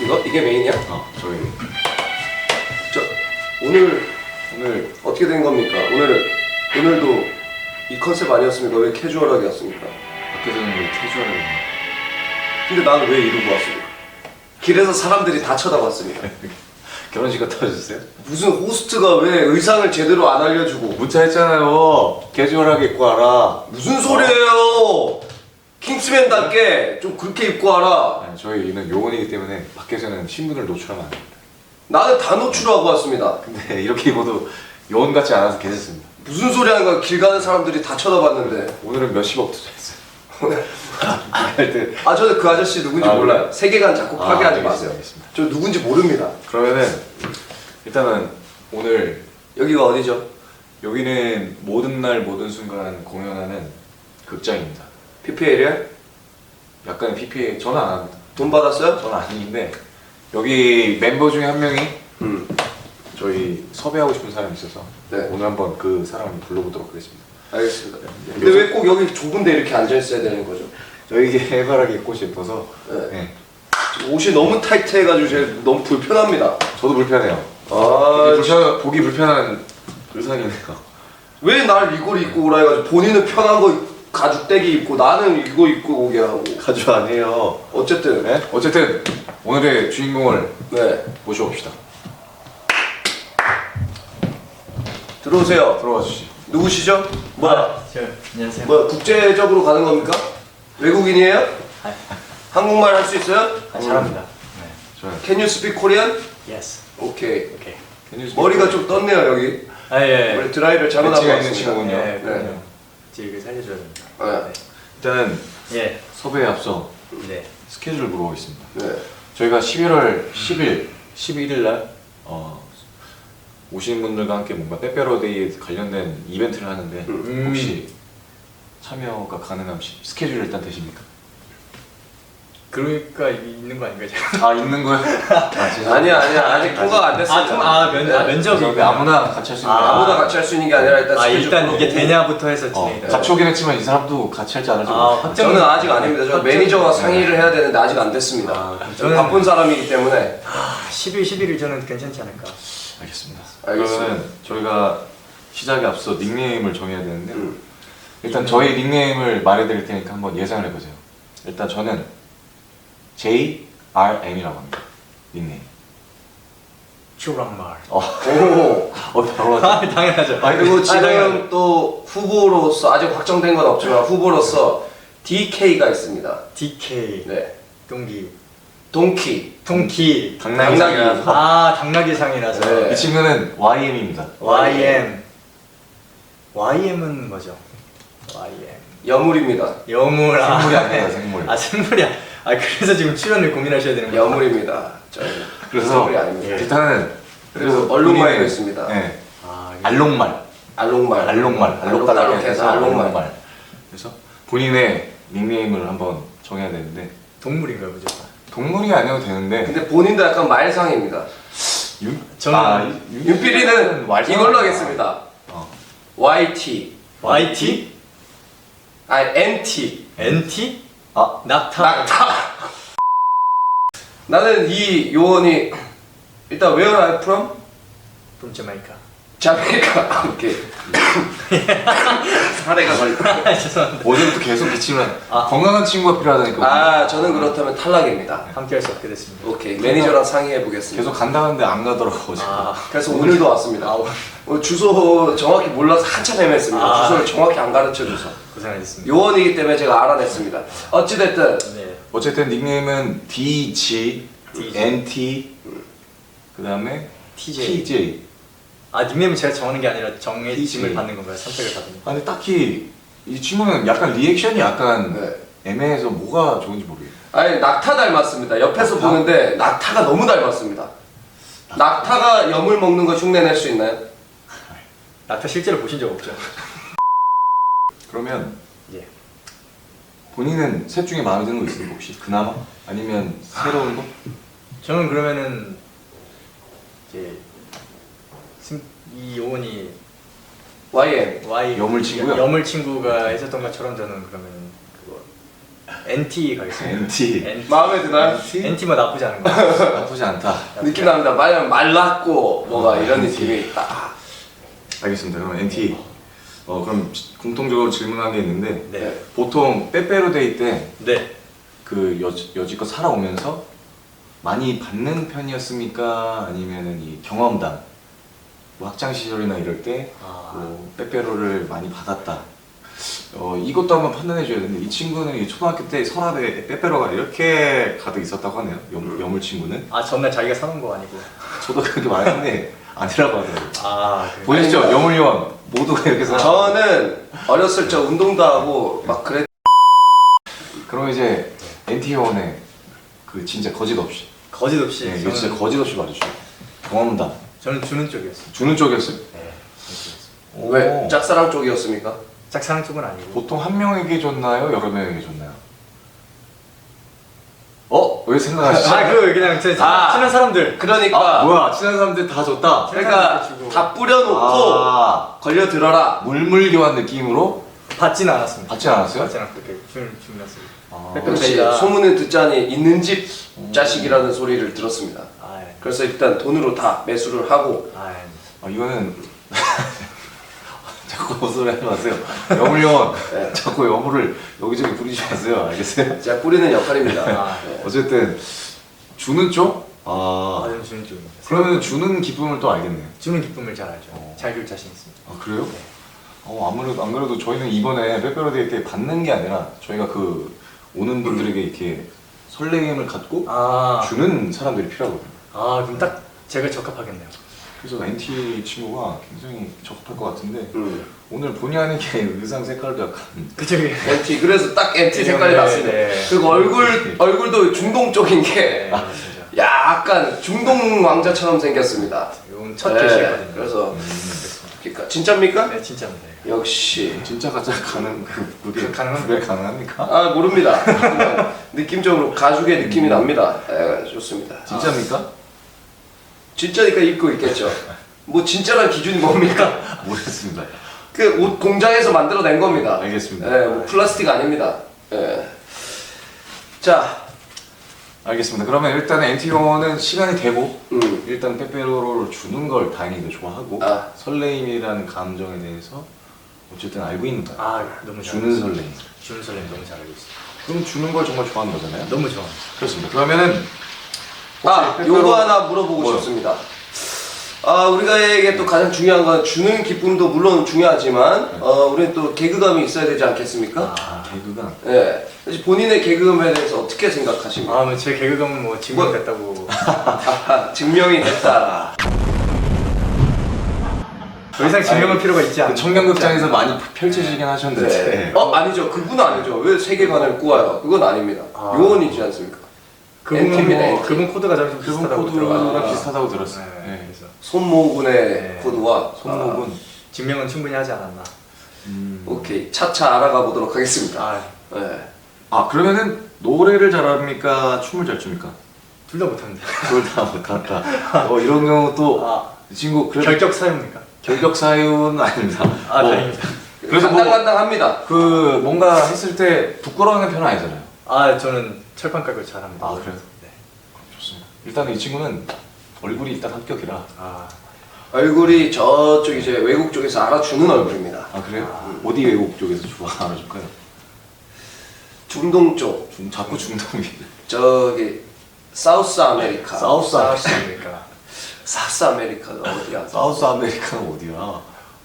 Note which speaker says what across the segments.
Speaker 1: 이게 메인이야?
Speaker 2: 저희
Speaker 1: 오늘 어떻게 된 겁니까? 오늘도 이 컨셉 아니었습니까? 왜 캐주얼하게 왔습니까?
Speaker 2: 밖에서는 왜 캐주얼하게
Speaker 1: 근데 나는 왜 이러고 왔습니까? 길에서 사람들이 다 쳐다봤습니다.
Speaker 2: 결혼식 갔다 오셨어요?
Speaker 1: 무슨 호스트가 왜 의상을 제대로 안 알려주고
Speaker 2: 문자 했잖아요. 캐주얼하게 입고 와라.
Speaker 1: 무슨 소리예요? 킹스맨답게 좀 그렇게 입고 와라.
Speaker 2: 아니, 저희는 요원이기 때문에 밖에서는 신분을 노출하면 안 됩니다.
Speaker 1: 나는 다 노출하고 왔습니다.
Speaker 2: 근데 이렇게 입어도 요원 같지 않아서 괜찮습니다.
Speaker 1: 무슨 소리 하는 거야? 길 가는 사람들이 다 쳐다봤는데.
Speaker 2: 오늘은 몇십억 투자했어요.
Speaker 1: 아, 저는 그 아저씨 누군지 몰라요.
Speaker 2: 그래?
Speaker 1: 세계관 자꾸 파괴하지
Speaker 2: 알겠습니다,
Speaker 1: 마세요.
Speaker 2: 알겠습니다.
Speaker 1: 저 누군지 모릅니다.
Speaker 2: 그러면은 일단은 오늘
Speaker 1: 여기가 어디죠?
Speaker 2: 여기는 모든 날 모든 순간 공연하는 극장입니다.
Speaker 1: PPL이야?
Speaker 2: 약간의 PPA 저는 안 합니다.
Speaker 1: 돈 받았어요?
Speaker 2: 저는 아닌데 여기 멤버 중에 한 명이
Speaker 1: 음.
Speaker 2: 저희 섭외하고 싶은 사람이 있어서
Speaker 1: 네.
Speaker 2: 오늘 한번 그 사람을 불러보도록 하겠습니다.
Speaker 1: 알겠습니다. 근데 왜 꼭 여기 좁은데 이렇게 앉아 있어야 되는 거죠?
Speaker 2: 저희 이게 해바라기 입고 싶어서
Speaker 1: 네.
Speaker 2: 네.
Speaker 1: 옷이 너무 타이트해가지고 제가 너무 불편합니다.
Speaker 2: 저도 불편해요.
Speaker 1: 아,
Speaker 2: 보기 불편한 의상이네요.
Speaker 1: 왜 날 이걸 입고 오라 해가지고 본인은 편한 거 가죽대기 입고 나는 이거 입고 오게 하고.
Speaker 2: 가주 안 해요.
Speaker 1: 어쨌든
Speaker 2: 네? 어쨌든 오늘의 주인공을
Speaker 1: 네,
Speaker 2: 모셔봅시다.
Speaker 1: 들어오세요.
Speaker 2: 들어와 주시죠.
Speaker 1: 누구시죠? 뭐야?
Speaker 3: 안녕하세요.
Speaker 1: 뭐야? 국제적으로 가는 겁니까? 외국인이에요?
Speaker 3: 아,
Speaker 1: 한국말 할 수 있어요?
Speaker 3: 잘합니다.
Speaker 2: 저는
Speaker 1: Can you speak Korean?
Speaker 3: Yes.
Speaker 1: 오케이.
Speaker 3: 오케이.
Speaker 1: 머리가 좀 떴네요 여기.
Speaker 3: 예.
Speaker 1: 머리 드라이를 잘못 하고
Speaker 2: 배치가 있는
Speaker 1: 왔습니다.
Speaker 2: 친구군요.
Speaker 3: 네, 그럼요.
Speaker 1: 네.
Speaker 3: 지금 살려줘야 됩니다.
Speaker 1: 네.
Speaker 2: 일단은
Speaker 3: 예.
Speaker 2: 섭외에 앞서
Speaker 3: 네.
Speaker 2: 스케줄을 물어보겠습니다.
Speaker 1: 네.
Speaker 2: 저희가 11월 10일, 11일 날 오시는 분들과 함께 뭔가 빼빼로데이에 관련된 이벤트를 하는데 혹시 참여가 가능한 스케줄 일단 되십니까?
Speaker 3: 그러니까 있는 거 아닌가요? 제가?
Speaker 2: 아 있는 거요?
Speaker 1: 아니야 아직 통과가 안 됐습니다.
Speaker 3: 면접이
Speaker 2: 아무나 같이 할 수 있는 거
Speaker 1: 아무나 같이 할 수 있는 게 아니라 일단 스케줄
Speaker 3: 일단 이게
Speaker 1: 풀어보고.
Speaker 3: 되냐부터 해서 진행이 돼요.
Speaker 2: 잡초긴 했지만 이 사람도 같이 할지 안 할지 모르겠어요.
Speaker 1: 저는 아직 아닙니다. 저
Speaker 3: 확정-
Speaker 1: 매니저와 상의를 해야 되는데 아직 안 됐습니다. 저는
Speaker 3: 저는-
Speaker 1: 바쁜 사람이기 때문에.
Speaker 3: 10일, 11일 저는 괜찮지 않을까.
Speaker 2: 알겠습니다.
Speaker 1: 알겠습니다.
Speaker 2: 그러면 저희가 시작에 앞서 닉네임을 정해야 되는데 일단 저희 닉네임을 말해드릴 테니까 한번 예상을 해보세요. 일단 저는 JRM이라고 합니다. 닉네임.
Speaker 3: 추랑말.
Speaker 1: 오.
Speaker 2: 바로 하죠.
Speaker 3: 당연하죠.
Speaker 1: 그리고 지금
Speaker 3: 당연하죠.
Speaker 1: 또 후보로서 아직 확정된 건 없지만 후보로서 DK가 있습니다.
Speaker 3: DK.
Speaker 1: 네.
Speaker 3: 동기.
Speaker 1: 동키.
Speaker 3: 동키.
Speaker 2: 당나귀상이라서
Speaker 3: 당나귀상이라서.
Speaker 1: 네.
Speaker 2: 이 친구는 YM입니다.
Speaker 3: YM. YM은 뭐죠? YM.
Speaker 1: 여물입니다.
Speaker 3: 여물.
Speaker 2: 생물이 아니라 생물.
Speaker 3: 생물이야. 그래서 지금 출연을 고민하셔야 되는 거예요.
Speaker 1: 여물입니다. 저희
Speaker 2: 그래서
Speaker 1: 생물이 아닙니다.
Speaker 2: 일단은
Speaker 1: 그리고 얼룩말도
Speaker 2: 본인의-
Speaker 1: 있습니다.
Speaker 2: 네.
Speaker 3: 이게
Speaker 2: 알록말.
Speaker 1: 알록말.
Speaker 2: 알록달록해서
Speaker 1: 알록말.
Speaker 2: 알록말. 그래서 본인의 닉네임을 한번 정해야 되는데
Speaker 3: 동물인가요, 무조건?
Speaker 2: 동물이 아니어도 되는데
Speaker 1: 근데 본인도 약간 말상입니다.
Speaker 3: 저는
Speaker 1: 윤필이는 이걸로 하겠습니다. YT.
Speaker 3: YT?
Speaker 1: NT.
Speaker 3: NT? 낙타.
Speaker 1: 낙타. 나는 이 요원이 일단 Where are you from?
Speaker 3: From Jamaica.
Speaker 1: 자메이카. 오케이. 사례가 걸렸다.
Speaker 3: 죄송합니다.
Speaker 2: 어제부터 계속 기침을 건강한 친구가 필요하다니까
Speaker 1: 저는 그렇다면 탈락입니다.
Speaker 3: 함께 할 수 없게 됐습니다.
Speaker 1: 오케이. 매니저랑 상의해 보겠습니다.
Speaker 2: 계속 간다는데 안 가더라고 지금.
Speaker 1: 그래서 오늘도 왔습니다. 오늘 주소 정확히 몰라서 한참 헤맸습니다. 주소를 정확히 안 가르쳐 줘서.
Speaker 3: 고생하셨습니다.
Speaker 1: 요원이기 때문에 제가 알아냈습니다. 어찌됐든
Speaker 3: 네.
Speaker 2: 어쨌든 닉네임은 DG, NT, 그 다음에 TJ.
Speaker 3: 닉네임은 제가 정하는 게 아니라 정해짐을
Speaker 2: TJ.
Speaker 3: 받는 건가요? 선택을 받는 건가요?
Speaker 2: 아니 딱히 이 친구는 약간 리액션이 약간
Speaker 1: 네.
Speaker 2: 애매해서 뭐가 좋은지 모르겠어요.
Speaker 1: 아니 낙타 닮았습니다. 옆에서
Speaker 2: 낙타?
Speaker 1: 보는데 낙타가 너무 닮았습니다. 낙타가 염을 먹는 거 흉내낼 수 있나요?
Speaker 3: 낙타 실제로 보신 적 없죠?
Speaker 2: 그러면
Speaker 3: 예.
Speaker 2: 본인은 셋 중에 마음에 드는 거 있습니까 혹시? 그나마? 아니면 새로운 거?
Speaker 3: 저는 그러면은 이제 이 요원이
Speaker 1: YM.
Speaker 2: 여물 친구요?
Speaker 3: 여물 친구가 했었던 것처럼 저는 그러면 그거 NT 가겠습니다.
Speaker 2: NT.
Speaker 1: 마음에 드나요?
Speaker 3: NT 뭐 나쁘지 않은 거 같아요.
Speaker 2: 나쁘지 않다.
Speaker 1: 느낌 납니다. 만약 말랐고 뭐가 이런 느낌이 있다.
Speaker 2: 알겠습니다. 그럼 NT. 그럼 공통적으로 질문한 게 있는데
Speaker 3: 네.
Speaker 2: 보통 빼빼로데이 때
Speaker 3: 네.
Speaker 2: 그 여지껏 살아오면서 많이 받는 편이었습니까? 아니면은 이 경험담, 뭐 학창 시절이나 이럴 때 뭐 빼빼로를 많이 받았다. 이것도 한번 판단해 줘야 되는데 이 친구는 이 초등학교 때 서랍에 빼빼로가 이렇게 가득 있었다고 하네요. 여물 친구는.
Speaker 3: 아 전날 자기가 사놓은 거 아니고.
Speaker 2: 저도 그렇게 말했는데 아니라고 하더라고요.
Speaker 3: 아 그래요?
Speaker 2: 보시죠, 여물요원 모두가 이렇게 사.
Speaker 1: 저는 어렸을 적 운동도 하고 막 그랬.
Speaker 2: 그럼 이제 NT 요원의 그 진짜 거짓 없이.
Speaker 3: 거짓 없이.
Speaker 2: 네, 이거 진짜 거짓 없이 말해주세요. 경험담.
Speaker 3: 저는 주는 쪽이었어요.
Speaker 2: 주는 쪽이었어요?
Speaker 3: 네. 주는 쪽이었어요.
Speaker 1: 왜
Speaker 2: 오.
Speaker 1: 짝사랑 쪽이었습니까?
Speaker 3: 짝사랑 쪽은 아니고.
Speaker 2: 보통 한 명에게 줬나요? 여러 명에게 줬나요? 왜 생각하시죠?
Speaker 3: 그 그냥 제
Speaker 1: 아.
Speaker 3: 친한 사람들.
Speaker 1: 그러니까
Speaker 2: 뭐야, 친한 사람들 다 줬다?
Speaker 1: 그러니까
Speaker 3: 주고.
Speaker 1: 다 뿌려놓고
Speaker 2: 아,
Speaker 1: 걸려 들어라.
Speaker 2: 물물교환 느낌으로
Speaker 3: 받지는 않았습니다.
Speaker 2: 받지 않았어요?
Speaker 3: 받지 않았고 이렇게 주문했어요.
Speaker 2: 아,
Speaker 3: 빼빼로
Speaker 1: 역시
Speaker 3: 데이가-
Speaker 1: 소문을 듣자니 있는 집 자식이라는 소리를 들었습니다.
Speaker 3: 아, 예.
Speaker 1: 그래서 일단 돈으로 다 매수를 하고
Speaker 3: 아, 예.
Speaker 2: 이거는 자꾸 헛소리 하지 마세요. 여물요원
Speaker 1: 네.
Speaker 2: 자꾸 여물을 여기저기 부리지 마세요. 알겠어요?
Speaker 1: 제가 뿌리는 역할입니다.
Speaker 3: 아,
Speaker 1: 네.
Speaker 2: 어쨌든 주는 쪽?
Speaker 3: 저는 주는 쪽입니다.
Speaker 2: 그러면 주는 기쁨을 또 알겠네요.
Speaker 3: 주는 기쁨을 잘 알죠. 잘 줄 자신 있습니다.
Speaker 2: 아, 그래요?
Speaker 3: 네.
Speaker 2: 아무래도 안 그래도 저희는 이번에 빼빼로데이 때 받는 게 아니라 저희가 그 오는 분들에게 이렇게 설레임을 갖고 주는 사람들이 필요하거든요.
Speaker 3: 그럼 딱 제가 적합하겠네요.
Speaker 2: 그래서 NT 친구가 굉장히 적합할 것 같은데 오늘 본의 아니게 의상 색깔도 약간
Speaker 3: 그쵸?
Speaker 1: NT 그래서 딱 NT 색깔이
Speaker 3: 네,
Speaker 1: 났습니다.
Speaker 3: 네.
Speaker 1: 그리고 얼굴도 중동 쪽인 게
Speaker 3: 진짜.
Speaker 1: 약간 중동 왕자처럼 생겼습니다.
Speaker 3: 이건 첫
Speaker 1: 네,
Speaker 3: 게시거든요.
Speaker 1: 그래서
Speaker 3: 그렇습니다.
Speaker 1: 그러니까 진짜입니까?
Speaker 3: 네, 진짜입니다.
Speaker 1: 역시
Speaker 2: 진짜 가짜 가능 그게
Speaker 3: 가능합니까?
Speaker 2: 구별 가능합니까?
Speaker 1: 모릅니다. 그냥 느낌적으로 가죽의 느낌이 납니다. 좋습니다.
Speaker 2: 진짜입니까?
Speaker 1: 진짜니까 입고 있겠죠. 뭐 진짜란 기준이 뭡니까?
Speaker 2: 모르겠습니다.
Speaker 1: 그 옷 공장에서 만들어낸 겁니다.
Speaker 2: 알겠습니다.
Speaker 1: 뭐 플라스틱 아닙니다. 자,
Speaker 2: 알겠습니다. 그러면 일단 NT용은 시간이 되고
Speaker 1: 음.
Speaker 2: 일단 빼빼로를 주는 걸 다행히도 좋아하고
Speaker 1: 아.
Speaker 2: 설레임이라는 감정에 대해서 어쨌든 알고 있는 거야.
Speaker 3: 너무
Speaker 2: 주는 설레임.
Speaker 3: 주는 설렘 너무 잘 알고 있어요.
Speaker 2: 그럼 주는 걸 정말 좋아하는 거잖아요.
Speaker 3: 너무 좋아합니다.
Speaker 2: 그렇습니다. 그러면
Speaker 1: 요거 하나 물어보고
Speaker 2: 뭐요?
Speaker 1: 싶습니다. 우리가에게 또 가장 중요한 건 주는 기쁨도 물론 중요하지만, 우리는 또 개그감이 있어야 되지 않겠습니까?
Speaker 2: 개그가
Speaker 1: 예. 그래서 본인의 개그감에 대해서 어떻게 생각하십니까?
Speaker 3: 제 개그감은 뭐 증명됐다고.
Speaker 1: 증명이 됐다.
Speaker 3: 더 이상 증명할 필요가 있지 않아요.
Speaker 2: 청년극장에서 많이 펼쳐지긴 하셨는데
Speaker 1: 네. 아니죠. 그분 아니죠. 왜 세계관을 꾸어요? 그건 아닙니다. 요원이지 않습니까? NT입니다, NT.
Speaker 3: 그분 코드가 좀
Speaker 2: 그분
Speaker 3: 비슷하다고
Speaker 2: 코드가
Speaker 3: 들어가지고.
Speaker 2: 비슷하다고 들었어요.
Speaker 3: 네,
Speaker 2: 네.
Speaker 3: 그래서
Speaker 1: 손모군의
Speaker 3: 네.
Speaker 1: 코드와
Speaker 2: 손목은
Speaker 3: 증명은 충분히 하지 않았나.
Speaker 1: 오케이. 차차 알아가 보도록 하겠습니다.
Speaker 3: 아,
Speaker 1: 네.
Speaker 2: 그러면은 노래를 잘합니까? 춤을 잘 춥니까?
Speaker 3: 둘 다 못합니다.
Speaker 2: 그걸 다 못한다. 이런 경우 또 이 친구 그래도
Speaker 3: 결격 사유입니까?
Speaker 2: 결격 사유는 아닙니다.
Speaker 3: 다행입니다.
Speaker 2: 그래서 뭐
Speaker 1: 간당간당합니다.
Speaker 2: 그 뭔가 했을 때 부끄러워하는 편은 아니잖아요.
Speaker 3: 저는 철판각을 잘합니다.
Speaker 2: 그래요?
Speaker 3: 네.
Speaker 2: 좋습니다. 일단 이 친구는 얼굴이 일단 합격이라.
Speaker 1: 얼굴이 저쪽 이제 외국 쪽에서 알아주는 얼굴입니다.
Speaker 2: 그래요? 어디 외국 쪽에서 좋아 알아줄까요?
Speaker 1: 중동 쪽,
Speaker 2: 자꾸 중동이.
Speaker 1: 저기 사우스 아메리카.
Speaker 2: 사우스
Speaker 3: 아메리카.
Speaker 1: 사우스 아메리카가 어디야?
Speaker 2: 사우스 아메리카가 어디야?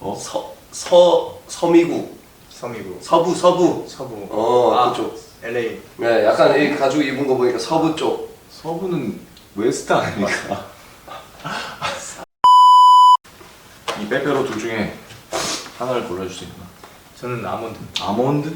Speaker 1: 서미국,
Speaker 3: 섬이고.
Speaker 1: 서부.
Speaker 3: 서부.
Speaker 1: 그쪽.
Speaker 3: LA.
Speaker 1: 네, 약간 이 가죽 입은 거 보니까 서부 쪽.
Speaker 2: 서부는 웨스트 아닙니까? 이 빼빼로 둘 중에 하나를 골라줄 수 있나?
Speaker 3: 저는 아몬드.
Speaker 2: 아몬드?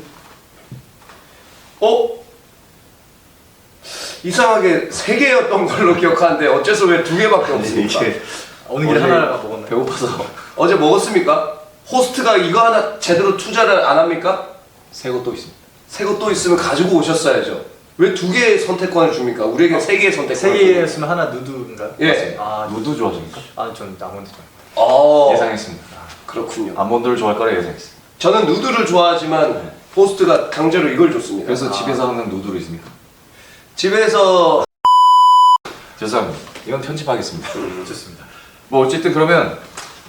Speaker 1: 이상하게 3개였던 걸로 기억하는데 어째서 왜 2개밖에 없습니까?
Speaker 2: 이게
Speaker 3: 오는 길에
Speaker 2: 어제
Speaker 3: 하나 먹었나요?
Speaker 2: 배고파서
Speaker 1: 어제 먹었습니까? 호스트가 이거 하나 제대로 투자를 안 합니까?
Speaker 2: 새 거 또 있습니다.
Speaker 1: 새 거 또 있으면 가지고 오셨어야죠. 왜 2개의 선택권을 줍니까? 우리에게 3개의 선택권을
Speaker 3: 세 개였으면 하나 누드인가?
Speaker 1: 예.
Speaker 2: 누드 좋아하십니까?
Speaker 3: 전 아몬드 좋아해요.
Speaker 1: 줍니까?
Speaker 2: 예상했습니다.
Speaker 1: 그렇군요.
Speaker 2: 아몬드를 좋아할 거라 예상했어요.
Speaker 1: 저는 누드를 좋아하지만 호스트가 강제로 이걸 줬습니다.
Speaker 2: 그래서 집에서 하는 누드로 있습니까?
Speaker 1: 집에서
Speaker 2: 죄송합니다. 이건 편집하겠습니다.
Speaker 3: 좋습니다.
Speaker 2: 뭐 어쨌든 그러면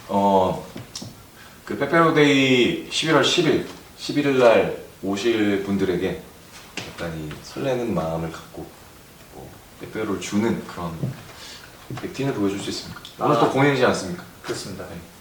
Speaker 2: 그 빼빼로데이 11월 10일 11일 날 오실 분들에게 약간 이 설레는 마음을 갖고 뭐 빼빼로를 주는 그런 액팅을 보여줄 수 있습니까? 오늘 또 공연이지 않습니까?
Speaker 3: 그렇습니다.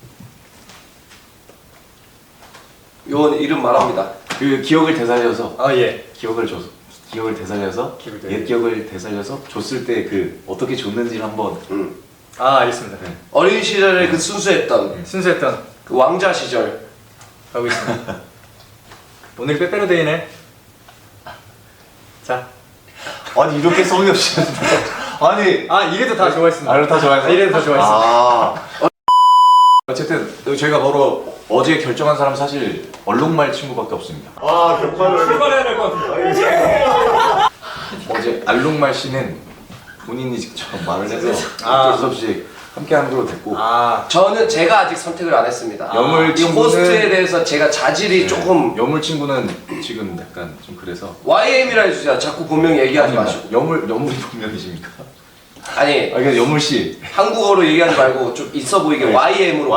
Speaker 1: 요원 이름 말합니다.
Speaker 2: 그 기억을 되살려서
Speaker 3: 예.
Speaker 2: 기억을 되살려서
Speaker 3: 기억을
Speaker 2: 옛 기억을 되살려서 줬을 때 그 어떻게 줬는지를 한번
Speaker 3: 알겠습니다.
Speaker 2: 네.
Speaker 1: 어린 시절에 그 순수했던
Speaker 3: 순수했던
Speaker 1: 그 왕자 시절.
Speaker 3: 가고 있습니다. 오늘 빼빼로데이네. 자.
Speaker 2: 아니 이렇게 성의 없이 아니
Speaker 3: 이래도 다 좋아했습니다.
Speaker 2: 아를 다 좋아해서
Speaker 3: 이래도 다 좋아했습니다.
Speaker 2: 어쨌든 저희가 바로 어제 결정한 사람 사실 얼룩말 친구밖에 없습니다.
Speaker 3: 출발해야 될 것 같은데.
Speaker 2: 어제 알룩말 씨는 본인이 직접 말을 해서 어쩔 수 없이 함께하는 걸로 됐고
Speaker 1: 저는 제가 아직 선택을 안 했습니다.
Speaker 2: 여물
Speaker 1: 이
Speaker 2: 친구는-
Speaker 1: 호스트에 대해서 제가 자질이 조금
Speaker 2: 여물 친구는 지금 약간 좀 그래서
Speaker 1: YM이라 해주세요. 자꾸 본명 얘기하지 마시고.
Speaker 2: 여물이 본명이십니까?
Speaker 1: 아니
Speaker 2: 그러니까 여물 씨
Speaker 1: 한국어로 얘기하지 말고 좀 있어 보이게
Speaker 2: 네.
Speaker 1: YM으로.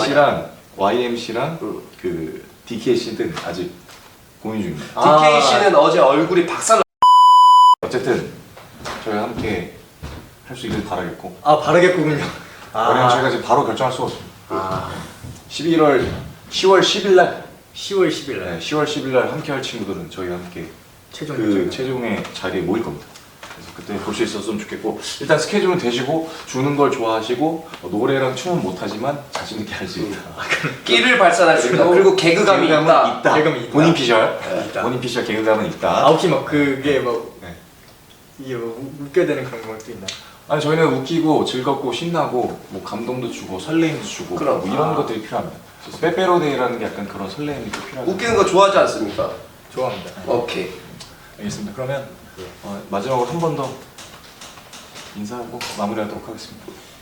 Speaker 2: YMC랑 그 DK 씨는 아직 고민 중입니다.
Speaker 1: DK 씨는 어제 얼굴이 박살.
Speaker 2: 어쨌든 저희 함께 할 수 있길 바라겠고
Speaker 3: 바르겠군요.
Speaker 2: 왜냐면 저희가 지금 바로 결정할 수가 없습니다. 10월 10일 날
Speaker 3: 10월 10일 날
Speaker 2: 10월 10일 날 함께 할 친구들은 저희와 함께
Speaker 3: 최종
Speaker 2: 그
Speaker 3: 결정.
Speaker 2: 최종의 자리에 모일 겁니다. 그래서 그때 볼 수 있었으면 좋겠고 일단 스케줄은 되시고 주는 걸 좋아하시고 노래랑 춤은 못하지만 자신 있게 할 수 있다.
Speaker 1: 끼를 발산할 수 있다. 그리고 개그감이 있다.
Speaker 3: 개그감이 있다.
Speaker 2: 본인 피셜
Speaker 3: 있다.
Speaker 2: 본인 피셜 개그감은 있다.
Speaker 3: 혹시 막 그게 뭐
Speaker 2: 네.
Speaker 3: 이게 뭐 웃겨야 되는 그런 것도 있나?
Speaker 2: 아니 저희는 웃기고 즐겁고 신나고 뭐 감동도 주고 설레임도 주고
Speaker 1: 그럼.
Speaker 2: 뭐 이런 것들이 필요합니다. 그래서 빼빼로데이라는 게 약간 그런 설레임이 또 필요하죠.
Speaker 1: 웃기는 거 좋아하지 않습니까?
Speaker 3: 좋아합니다.
Speaker 1: 오케이.
Speaker 2: 알겠습니다. 그러면 마지막으로 한 번 더 인사하고 마무리하도록 하겠습니다.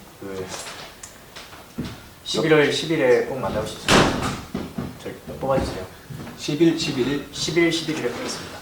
Speaker 3: 11월 10일에 꼭 만나고 싶습니다. 저희 뽑아주세요.
Speaker 2: 10일 11일
Speaker 3: 11, 11일에 보겠습니다.